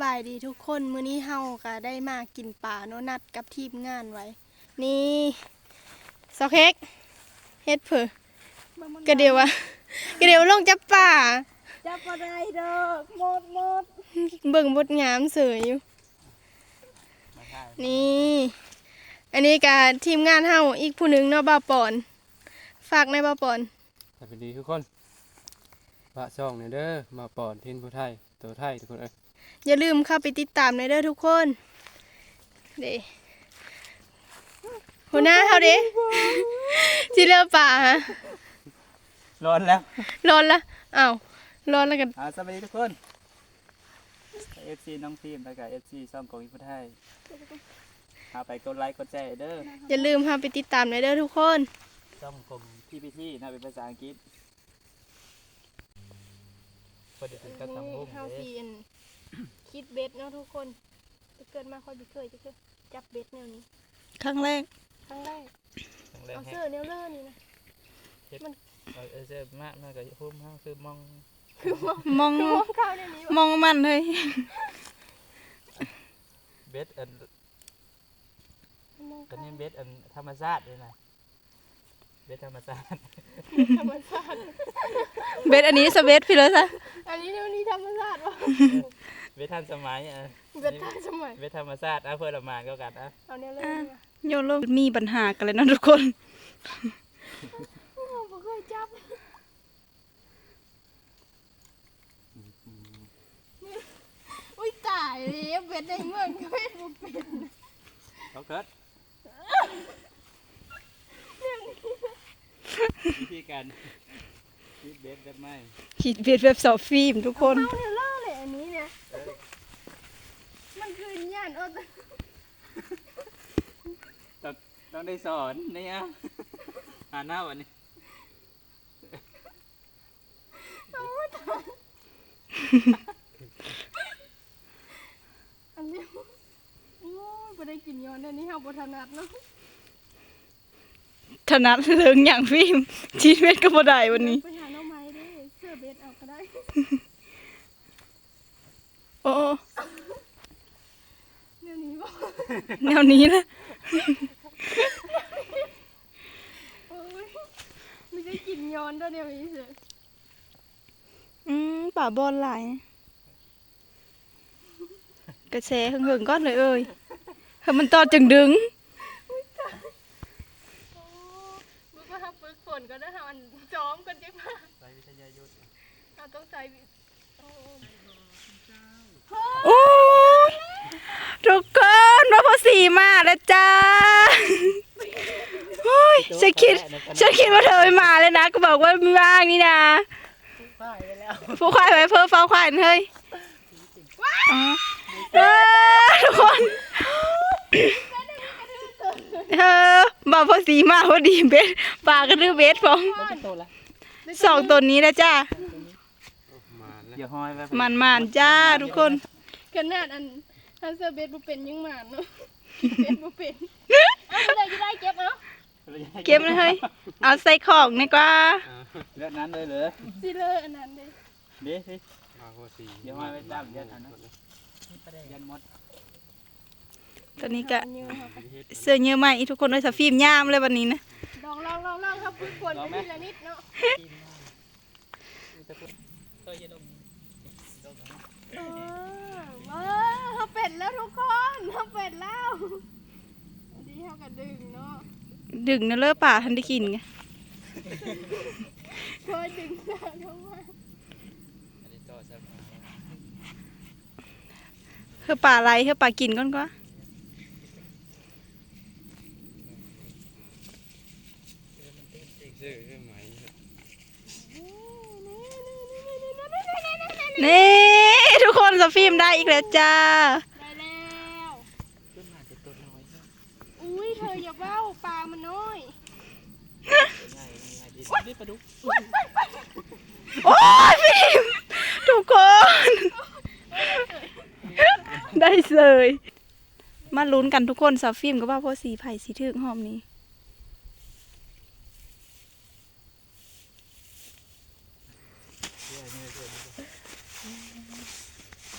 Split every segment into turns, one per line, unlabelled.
ายดีทุกคนมื้อนี้เฮาก็ได้มากินปลาโนนัดกับทีมงานไว้นี่ซอเค้กเฮ็ดเผอกระเดียววะกระเดียวลงจับปลา
จับบ่ได้ดอกหมด
เบิ่งบดงามเสยอยู่นี่อันนี้ก็ทีมงานเฮาอีกผู้หนึงเนาะบ่าวปอนฝากในบ่าวปอน
สวัสดีทุกคนปะช่องเนี่ยเด้อมาปอนทินผู้ไทยตัวไทยทุกคนเอ้ย
อย่าลืมเข้าไปติดตามในเด้อทุกคนเด้หัวหน้าเฮาเด้สิเลิกป่าฮะ
ร้อนแล้ว
ร้อนละอ้าวร้อนแล้วกัน
สวัสดีทุกคนFC น้องพิมพ์แล้วก็ FC ช่องของผู้ไทยหาไปกดไลค์กดแชร์เด้อ
อย่าลืมเข้าไปติดตามในเด้อทุกคน
ช่องของพี่นะเป็นภาษาอังกฤษพอดีเป็นกระทำบุ้ง
เฮา
เด้
สิคิดเบ็ดเนาะทุกคนเกิดมาค่อยบ่เคยจับเบ็ดแนวนี้
ครั้งแรก
ครั้งแรก
ทั้งแรก
เอา
ให้
เสื้อแนวเลอนี่นะ
เจอมากน่าจะพุ่มห้างคือมอง
มอง
มองเข้าในนี้
มองมันเลย
เบสอัน
มอง
ตอน
เข้า
นี้เบสอันธรรมชาติเลยนะเบสธรรมชาติ
ธรรมชาติ
เบสอันนี้สเวตพี่เลยซะ
อันนี้ธรรมชาติวะ
เบสทันสมัย
เบ็ดทันสมัย
เวทธรรมชาติเพื่อละมานก็กันอ่ะ
เอาแนวเลอนี่ว่ะ
โยนโลกมีปัญหากันเลยนะทุกคน
บ่เคยจับอุ้ยตายเลยเบ็ดได้เงินก็เบ็ดบ่เป็น
เขาเกิดวิธีการคิดเบสแบบไม่
ขีดเบียดแบบสอบฟิล์มทุกคน
เอาแนวเลอเลยอันนี้เนี่ยมันคือย่าน
ต้องได้สอนนี่อ่ะอ่านหน้าวันนี้
อันนี้โอ้ยบ่ได้กินย้อนเดี๋ยวนี้เฮาบ่ถนัดเนาะ
ถนัดเรื่องอย่างฟิล์มชีวิตก็บ่ได้วันนี้
ไปหาหน่อไม้เด้เสื้อเบ็ดเอาก็ได้
โอ้
เดี๋ยวนี้บ่
แนวนี้นะ
โอ้ยไม่ได้กินย้อนเด้อเดี๋ยวนี้เสิ
ป่าบอลหลายกระแสหึงๆก้อนเลยเอ้ยเฮ้ยมันตอดจึงดึง
โอ้มึงก็หาฝึกฝนก็ได้หาอันซ้อมกันจังมา
ใส่วิทยายุทธ์
เราต้องใส่โอ้
โอ้ยทุกคนว่าพอสีมาแล้วจ้าโอ้ยฉันคิดว่าเธอไม่มาเลยนะก็บอกว่าไม่ว่างนี่นะ
ใส่ไปแล้ว
ผู้ควายไปเพิ่มฟ้าควายเฮ้ยอ๋อทุกคนบอกพอสีมาพอดีเบสปลากระดือเบสพอง
โตละ
สองตัวนี้นะจ้า
อย่าห้อยไป
มันจ้าทุกคน
ขนาดอันเสื้อเบ็ดบ่เป็นยังหมานเนาะเบ็ดบ่เป็นเอาไปเลยจะได้เก็บเอา
เก็บเลยเฮ้ยเอาใส่ของดีกว่า
เลือดนั้นเลยเหรอ
สิเลยอันนั้นเด้
เด้สิอย่าห้อยไปตามยันอันนั้นยันมด
ตอนนี้ก็
เยอะค่ะ
เสื้อเยอะมากอีทุกคนเลยสฟิล์มย่ามเลยวันนี้นะ
ลองครับฝึกฝนไปทีละนิดเนาะเขาเป็ดแล้วทุกคนเขาเป็ดแล้วดีเขากระดึงเนาะ
ดึงนะเลิกป่าทันได้กินไง
เคยดึงแล้วทั้งวัน
เพื่อป่าอะไรเพื่อป่ากินก่อนก็ นี่ทุกคนสฟิล์มได้อีกแล้วจ้า
ได้แล้วอุ้ยเธออย่าเบ้าปลามันน้อย
นี่ปลาดุก
โอ้ยฟิล์มทุกคน ได้เลยมาลุ้นกันทุกคนสฟิล์มก็ว่าพอสีไผ่สีถึงหอมนี้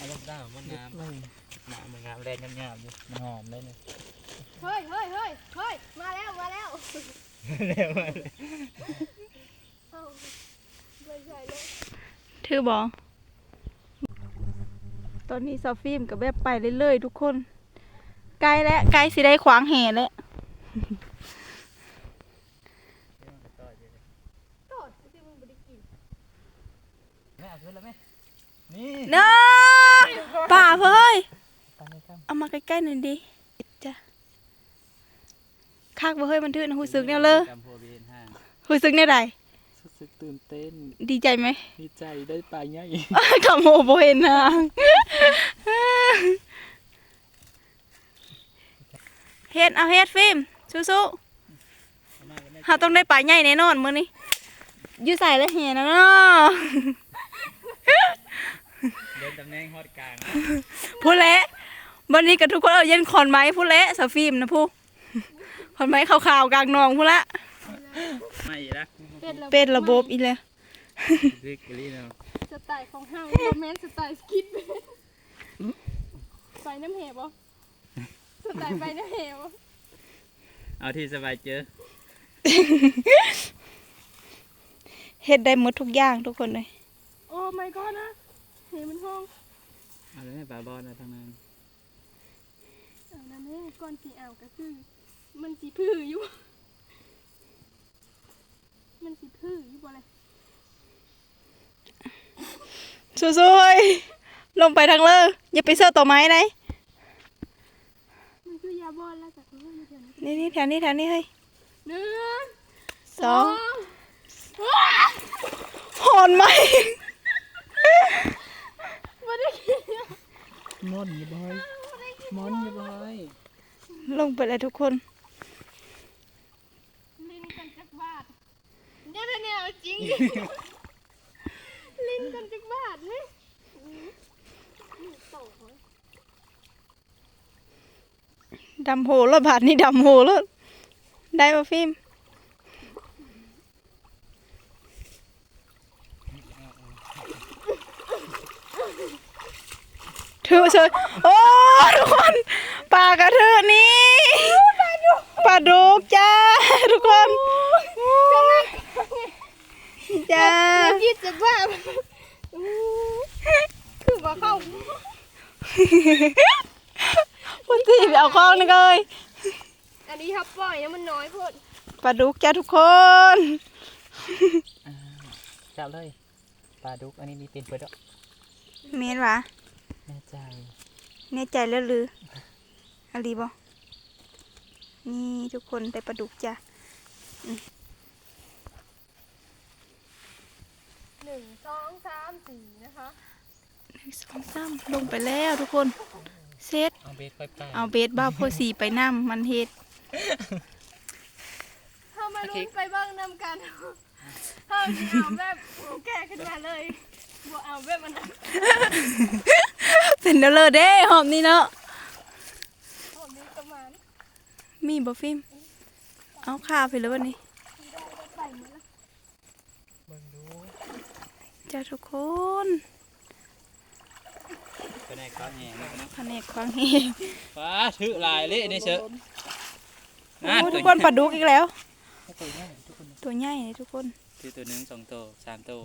เอาลงได้มันน้ำหนาเหมือนงามแรงงามๆอยู่มันหอมได้เลย
เฮ้ยมาแล้ว
เร็วมาเลย
เอาไม่ใช่เลย
ถือบ่ตอนนี้ซอฟฟิล์มกับแบบไปเรื่อยๆทุกคนใกล้แล้วใกล้สิได้ขวางแห่แล้ว
โตดที่มึงไม่ได้กิน
แม่เอาขึ้นแล้วไหมนี่
เนาะป่าเฮ้ย
ตามเลยครับ
เอามาใกล้ๆหน่อยดิจ้ะคักบ่เฮ้ยมันถือนะหูซึกแนวเลย
จำพัวเบนห้าง
หูซึกแนวใด
รู้สึกตื่นเต้น
ดีใจไหม
ดีใจได้ปลาใหญ่
ขโมยบ่เห็นนางเฮ็ดเอาเฮ็ดฟิล์มสู้ๆเฮาต้องได้ปลาใหญ่แน่นอนมื้อนี้อยู่ใส่แล้วแห่นะเนาะ
เดินตำแหน่งฮอดกลาง
พูดแล้ววันนี้กับทุกคนเอาเย็นขอนไม้พูดแล้วสาวฟิล์มนะพูขอนไม้ขาวๆกลางหนองพูดละ
ไม่ละ
เป็นระบบอีแล้ว
ริกลี่เนาะ
สไตล์ของห้างโรแมนสไตล์สกิดไปน้ำเหวบ่สไตล์ไปน้ำเหว
เอาที่สบายเจอ
เฮ็ดได้หมดทุกอย่างทุกคนเลย
โอ้ my god นะเหวมันห้อง
เอาเลยปลาบอลนะทางนั้น
เอานั่นเองก้อนสีอ่าวก็คือมันสีพื้อยู่ มันสีพื้อยู่บ่เลย
สู้ๆลงไปทางเลยอย่าไปเสื้อต่อไม้ไหน
มันคือยาบอลแล้วจากนี้มาเดี๋ยวนี้
นี่แถวนี้เฮ้ย
หนึ่ง
สองหอนไหม
ไม่ได้กิน
มอนอย่าบอยมอนอย่าบอย
ลงไปเลยทุกคน
ลิ้นกันจักบาทเนี่ยเอาจริง ลิ้นกันจักบาทนี่โตเลย
ดำโหแล้วบาทนี่ดำโหแล้วได้ป่ะฟิล์มถือเฉยโอ้ทุกคนปลากระเทือนี่ปลาดุกจ้าทุกคนจ้า
คิดจักบาทคือว่าเข้า
พุ่นที่ไปเอาข้องนี่เลย
อันนี้ครับปล่อยนะมันน้อยพด
ปลาดุกจ้าทุกคน
จับเลยปลาดุกอันนี้มีเป็นเปิดอ่ะ
เมนวะ
แน่ใจ
แน่ใจแล้วหรืออะไรบ่นี่ทุกคนได้ปลาดุกจ้ะ
1 2 3 4นะคะ
1 2 3ลงไปแล้วทุกคนเซต
เอาเบสค่อยปลา
เอาเบสบ้าโพสีไปน้ำมันเฮ็ด
เข้ามาลุ้นไปเบ้างนำกันเข้าจะเอาแบบแก่ขึ้นมาเลยบัวเอาแบบมันนั้น
เป็นเดลอเด้หอมนี่เนาะ
ผมมีประมาณ
มีบ่ฟิล์มเอาข้าวไปแล้ววันนี้
ใส่หมดแล้ว
เบิ่งดู
จ้าทุกคน
เป็นไงก้อนแห้งนะ
แผนกควางเฮง
ฟ้าถือลายเละนี่เชอะ
โอ้ทุกคนปลาดุกอีกแล้ว
ตัวใหญ่ทุกคน
ตัวใหญ่เลยทุกคน
ถือตัวหนึ่งสองตัวสามตัว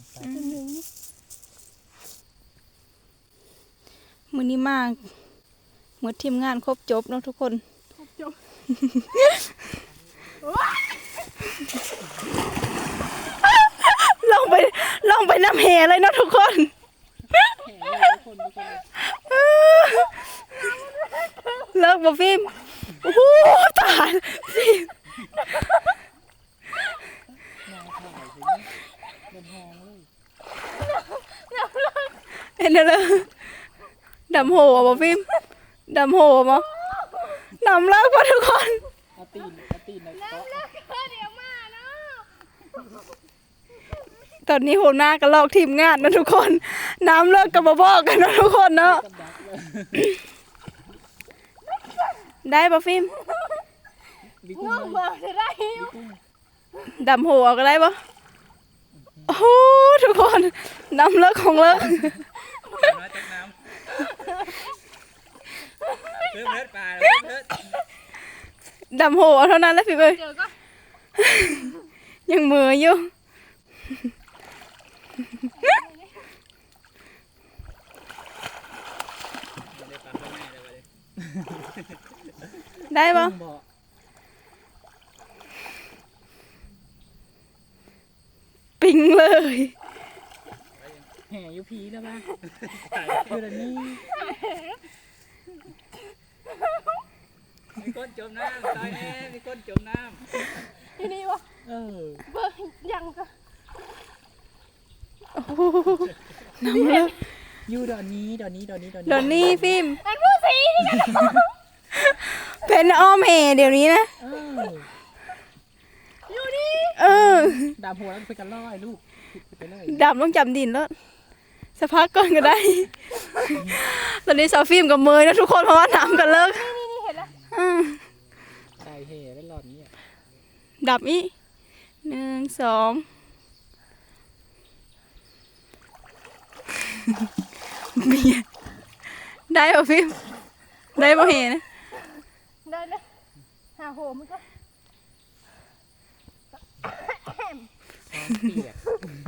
มื้อนี้มากหมดทีมงานครบจบเนาะทุกคน
จบ
ลงไปน้ำแห่เลยเนาะทุกคนเลิกบ่ฟิล์มโอ้โหตายฟิล์มเห็นเลยดำโหบ่ฟิล์มดำโหบ่ดำเลิกป่ะทุกคน
เอาตีนในเกาะ
เดี๋ยวมาเนาะ
ตอนนี้โหหน้ากันลอกทีมงานนะทุกคน น้ำเลิกกับบ่บอกกันนะทุกคนเนาะได้ป่ะฟิล์ม
ง่วงมาจะได้
ดำโหเอาก็ได้ป่ะโอ้โหทุกคนน้ำเลิกของเลิก
น้อยจากน้ำเพิ่มเลือดปลาเพิ่มเลือด
ดำโหเอาเท่านั้นแหล้วพี่เอ้ย
เดี๋ยวก็
ยังมืออยู่ได้ปะปิงเลย
แห่ยูพีแล้วบ้างคือแบบนี้
มีคนจมน้ำตายแน่มีคนจมน้
ที่นี่วะ
เออ
เบิ่งยังก็
โอ้โหน้ำเลย
ยูดอนนี้ดอนนี้ดอนนี้ดอนนี้
เดี๋ยวนี้ฟิล์ม
อันผู้สีนี่กัน
เป็นอ้อมแห่เดี๋ยวนี้นะ
เออ
อยู่นี่
เออ
ดามหัวแล้วไปกันล่อยลูกไปเลย
ดำต้องจำดินแล้วสักพักก่อนก็ได้ ตอนนี้สาวฟิล์มกับเมยนะทุกคนเพราะว่าน้ำกันเลิก
นี่เห็นแล้ว
อืม
ใส่แห่แล้วหลอดนี้
ดับอีก1 2เมียได้ป่ะฟิล์มได้ป่ะเห็นนะ
ได้เลยหาโหมันก็
เปียก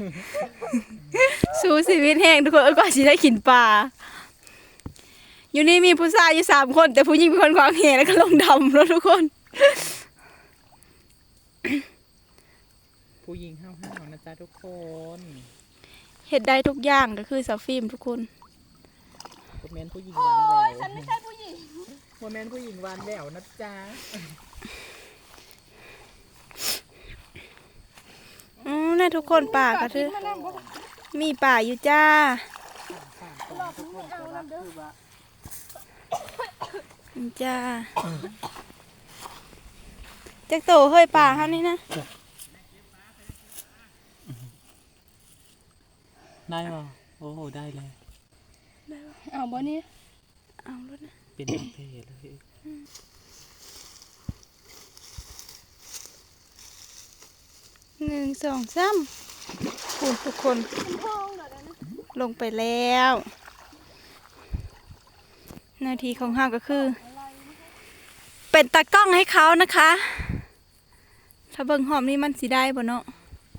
สู้ชีวิตแห้งทุกคนก็สิได้กินปลาอยู่นี่มีผู้ชายอยู่3 คนแต่ผู้หญิงเป็นคนขวางแหแล้วก็ลงดำแล้วทุกคน
ผู้หญิงห้าวๆนะจ๊ะทุกคน
เฮ็ดได้ทุกอย่างก็คือสาวฟิล์มทุกคน
โมเมนต์ผู้หญิงห
โอ้
วานแหวย
ฉันไม่ใช่ผู้หญิง
โมเมนต์ผู้หญิงหวานแหววนะจ๊ะ
น่าทุกคนป่าก็คือ
มานั่งบ่
มีป่าอยู่จ้า
หลอกมึงไม่เอานำเด้อ
จ้าจักโตเฮ้ยป่าเฮานี่นะ
ได้ป่ะโอ้โหได้เลย
เอาบ่นี่
เอารถนะ
เป็นเพลเลย
1 2 3คุณทุกคน
ห้องเดี๋ยวนะ
ลงไปแล้ว หน้าที่ของเฮาก็คือ เป็นตากล้องให้เขานะคะ ถ้าเบิ่งหอมนี่มันสิได้บ่เนาะ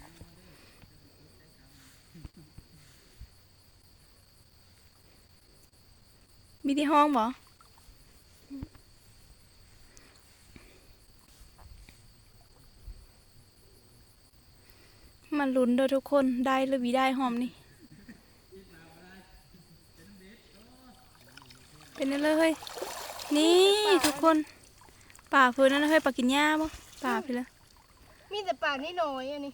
มีที่ห้องบ่มันลุ้นเด้อทุกคนได้หรือบ่ได้หอมนี่เป็นนั่นเลย นี่ทุกคนป่าเพื่นนั่นนะเฮ้ยป่ากินหญ้าบ่ป่าไปแล้ว
มีแต่ป่านี่น้อยอันนี้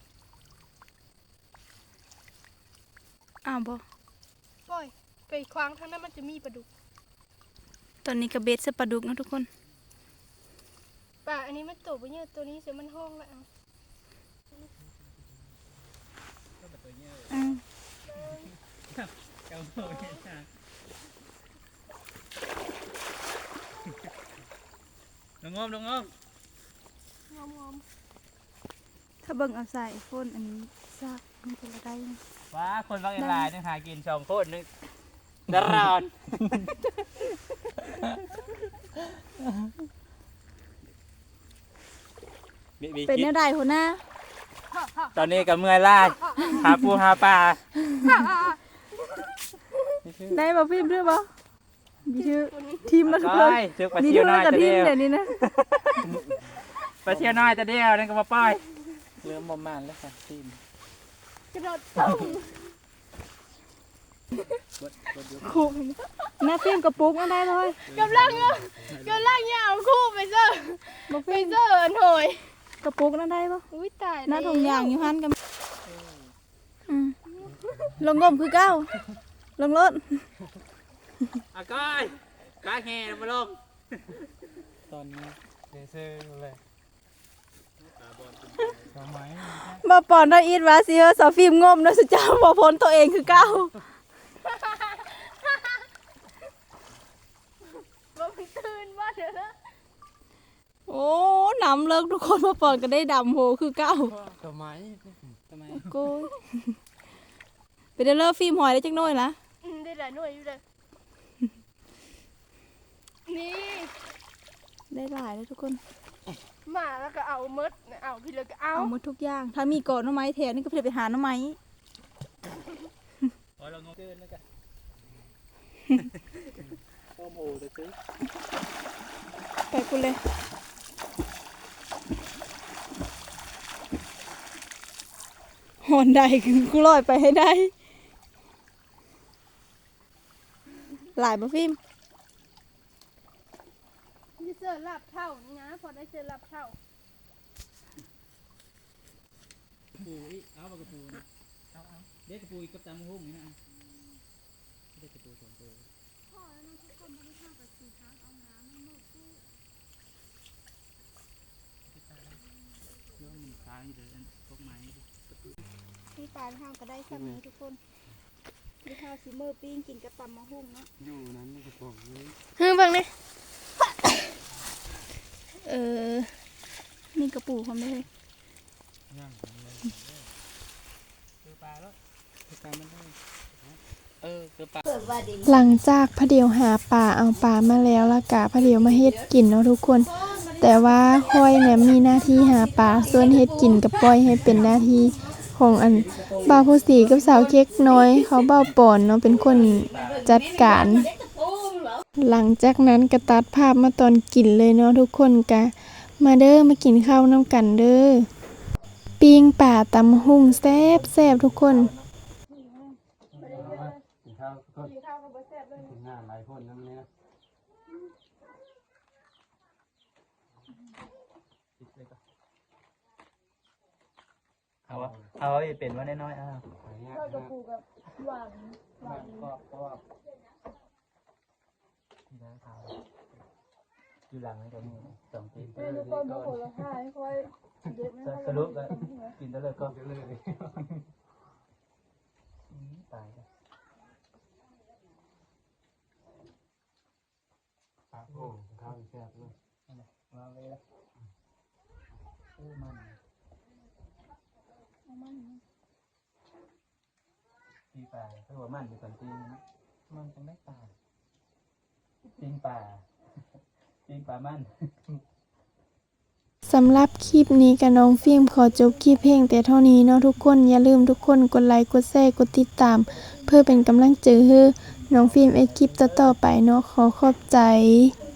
อ้าวบ่
ปล่อยไปคว้างทางนั้นมันจะมีปลาดุก
ตอนนี้ก็เบ็ดใส่ปลาดุกนะทุกคน
ป่าอันนี้มันโตไปเยอะตัวนี้เสียมันห้องแล้วเอา
อืม
ำเจ้าโม่เนี่ยจ้าลงงมลงงม
งอม
ถ้าเบิ่งเอาใส่โฟนอันนี้ซากมันจะได้
ว้าคนบางลายนึงหากิน2 คนนึงดารอน
เป็นแนวใดหัวหน้า
ตอนนี้กับเมื่อยล่าหาปูหาปลา
ได้บ่พิมพ์ด้วยบ่มีชื่อทีมแล้วทุกค
ก้
น
อยเชือกปลา
มี
เชียว
เท่า
น้อย
กับ
จะ
ที
เดี
ม
ยว
เดี๋ยวนี้นะ
ปลาเชียวน้อยจะเดียวนั่นก็มาป้อย
เริ่มมอมมานแล้วค่ะทีม
กระโดดตุ้ม
คู่หน้าฟิล์มกับปุ๊กนั่นได้เลย
กำลังเนี่ยเอาคู่ไปเซอร์
บ่
ไป
ฟิล์ม
เซอร์หน่อย
กับปุ๊กนั่นได้บ่
อุ้ยตาย
หน้าถุงยางอยู่หันกันลงงมคือเก้าลงรถ
อ่ะก้อยก้อยแห่มาลง
ตอนนี้เดซอร์เลยทำไม
บ่ปอนได้อีดว่าสิเฮอสาวฟิล์มงมเนาะสุเจ้าบ่พ้นตัวเองคือเก้า
บ่ไปตื่นว่าเด้อ
โอ้น้ำเลิกทุกคนบ่ปอนก็ได้ดำโหคือเก้า
ทำไม
โกยไปเด้อเลิกฟิล์มหอยได้จักหน่อยละ
ได้หลายหน่วยอยู่เลยนี่
ได้หลายเลยทุกคน
มาแล้วก็เอามดเอาพี่เลยก็เอา
เอาหมดทุกอย่าง ถ้ามีก่อนหน้ำไม้แถวนี่ก็เพื่อไปหาหน้ำไม้
พอเรางงเกินแล้วกันโอ้โหจะซื้อ
ไปกูเลยหอนได้กูลอยไปให้ได้ หลายบ่ฟิล์ม
ที่เจอลับเท่านี่นะพอได้เจอลับเท่า
ปูอีกเอาปากกระปูนะเอาเด็กกระปูอีกกับตามหุ้มนี่นะเด็กกระปู2 ตัวเรื่องมันค้างอยู่เลยพวกไม้
นี่ปลาเท่าก็ได้ซ้ำนี้ทุกคนนี่เท่าสีเมอร์ปิ้งกินกับตำมะฮุ่งเนาะ
อยู่นั้นมันก็บอกนี้
เฮ้ยเบังนี่
นี่กระปูความได้เลย
คือปลาแล้วคือปลามันได้คือปลา
หลังจากพระเดียวหาป่าเอาป่ามาแล้วละกะพระเดียวมาเฮ็ดกินเนาะทุกคน แต่ว่าค่อยเนี่ยมีหน้าที่หาป่าส่วนเฮ็ดกินกับปล่อยให้เป็นหน้าที่ของอันบ่าวผู้สีกับสาวเค้กน้อย เขาบ่าวปอนเนาะเป็นคนจัดการ หลังจากนั้นก็ตัดภาพมาตอนกินเลยเนาะทุกคนกะมาเด้อมากินข้าวน้ำกันเด้อปิ้งป่าตำหุ่งแซ่บแซ่บทุกคน
กินข้าวก็กินงานหลายคนนั่นเนี่ยเอาเป็นว่าน้อยๆก็กระปูกับหวานก็ที่ร้านเขาอยู่หลังนี่ก็มี2 ปีสรุปก็กินได้เลยก็ตายแล้วโอ้ข้าวแซ่บเลยมาเลยมันตีปลาถ้าว่ามันอยู่ก่อนตีนะมันต้องได้ปลาปิ้งปลาปิ้งปลามัน
สำหรับคลิปนี้กับน้องฟิล์มขอจบคลิปเพลงแต่เท่านี้เนาะทุกคนอย่าลืมทุกคนกดไลค์กดแชร์กดติดตาม เพื่อเป็นกำลังใจให้น้องฟิล์มคลิปต่อๆไปเนาะขอขอบใจ